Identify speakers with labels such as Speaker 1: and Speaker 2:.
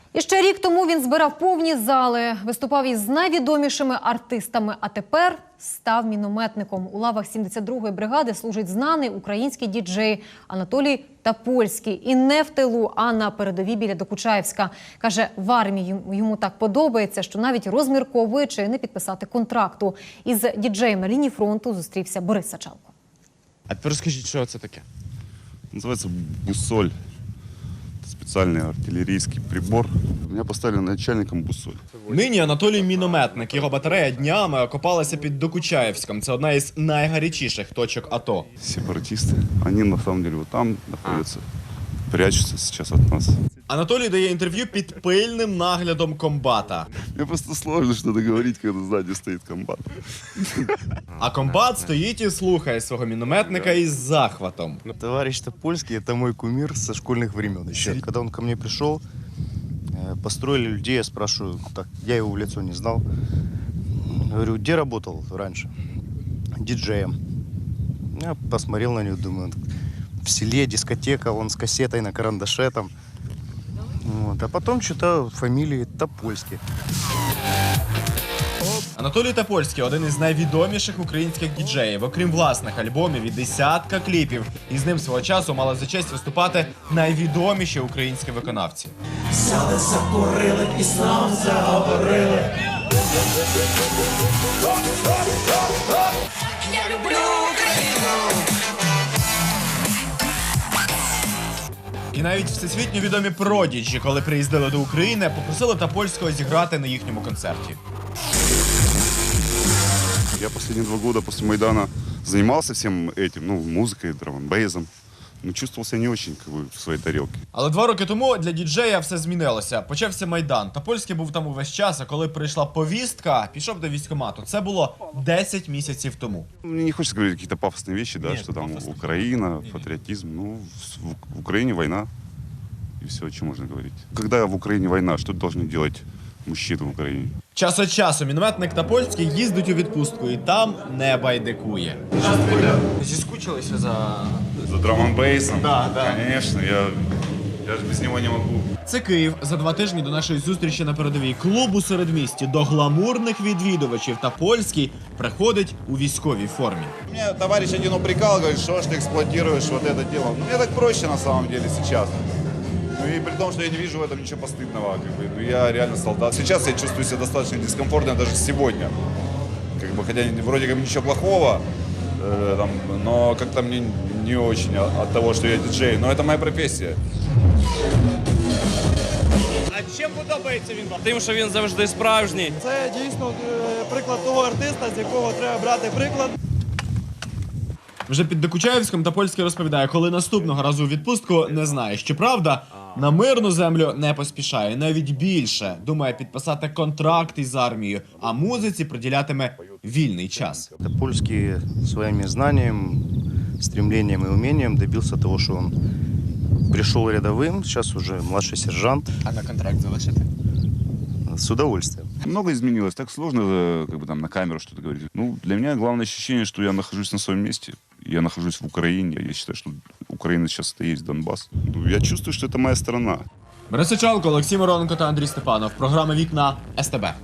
Speaker 1: І ще рік тому він збирав повні зали, виступав із найвідомішими артистами, а тепер став мінометником. У лавах 72-ї бригади служить знаний український діджей Анатолій Топольський. І не в тилу, а на передовій біля Докучаєвська. Каже, в армії йому так подобається, що навіть розмірковує, чи не підписати контракту. Із діджеєм на лінії фронту зустрівся Борис Сачалко.
Speaker 2: А тепер розкажіть, що це таке?
Speaker 3: Называется бусоль. Специальный артиллерийский прибор. Меня поставили начальником бусоль.
Speaker 2: Нині Анатолій мінометник. Його батарея днями окопалася під Докучаєвськом. Це одна із найгарячіших точок АТО.
Speaker 3: Сепаратисты. Они на самом деле вот там находятся. Прячутся сейчас от нас.
Speaker 2: Анатолій дає інтерв'ю під пильним наглядом комбата.
Speaker 3: Мне просто сложно что-то говорить, когда сзади стоит комбат.
Speaker 2: А комбат стоїть і слухає свого мінометника із захватом.
Speaker 4: Товарищ Топольский – это мой кумир со школьных времен еще. Когда он ко мне пришел, построили людей, я спрашиваю, так, я его в лицо не знал. Говорю, где работал раньше? Диджеем. Я посмотрел на него, думаю, в селе дискотека, он с кассетой на карандаше там. Вот. А потом читаю фамилии Топольский.
Speaker 2: Анатолій Топольський – один із найвідоміших українських діджеїв. Окрім власних альбомів і десятка кліпів. І з ним свого часу мали за честь виступати найвідоміші українські виконавці.
Speaker 5: Взяли, закурили, і знов заговорили. Я люблю Україну.
Speaker 2: І навіть всесвітньо відомі продіджі, коли приїздили до України, попросили Топольського зіграти на їхньому концерті.
Speaker 3: Я последние 2 года после Майдана занимался всем этим, ну, музыкой, драм-н-бейзом. Но чувствовал себя не очень как бы, в своей тарелке.
Speaker 2: Але 2 роки тому для діджея все змінилося. Почався Майдан. Топольський був там увесь час, а коли прийшла повістка, пішов до військкомату. Це було 10 місяців тому.
Speaker 3: Мне не хочется говорить какие-то пафосные вещи, да,
Speaker 2: Нет,
Speaker 3: что там
Speaker 2: пафосные.
Speaker 3: Украина, патриотизм. Ну, в Украине война. И все, о чем можно говорить. Когда в Украине война, что должны делать мужчины в Украине?
Speaker 2: Час від часу мінометник Топольський їздить у відпустку і там не байдикує. Зіскучилися за...
Speaker 3: За драм-н-бейсом?
Speaker 2: Да, да.
Speaker 3: Конечно, я же без него не могу.
Speaker 2: Це Київ. За 2 тижні до нашої зустрічі на передовій клуб у середмісті до гламурних відвідувачів Топольський приходить у військовій формі.
Speaker 6: Мне товарищ один упрекал, говорит, что ж ты эксплуатируешь вот это дело. Мне так проще на самом деле сейчас. Ну и при том, что я не вижу в этом ничего постыдного. Как бы, ну, я реально солдат. Сейчас я чувствую себя достаточно дискомфортно, даже сегодня. Как бы, хотя вроде как ничего плохого, там, но как-то мне не очень от того, что я диджей. Но это моя профессия.
Speaker 7: А чим подобається він вам? Тим, що він завжди справжній.
Speaker 8: Це дійсно приклад того артиста, з якого треба брати приклад.
Speaker 2: Вже під Докучаєвськом Топольський розповідає, коли наступного разу у відпустку не знає. Щоправда, на мирну землю не поспішає. Навіть більше. Думає підписати контракт із армією, а музиці приділятиме вільний час.
Speaker 4: Топольский своими знаниями, стремлением и умением добился того, что он пришел рядовым, сейчас уже младший сержант.
Speaker 2: А на контракт залишити?
Speaker 4: С удовольствием.
Speaker 3: Много изменилось, так сложно как бы, там, на камеру что-то говорить. Ну, для меня главное ощущение, что я нахожусь на своем месте. Я нахожусь в Украине. Я считаю, что Украина сейчас это и есть Донбасс. Ну, я чувствую, что это моя страна.
Speaker 2: Борис Сачалко, Олексій Мироненко та Андрій Степанов. Програма «Вікна» СТБ.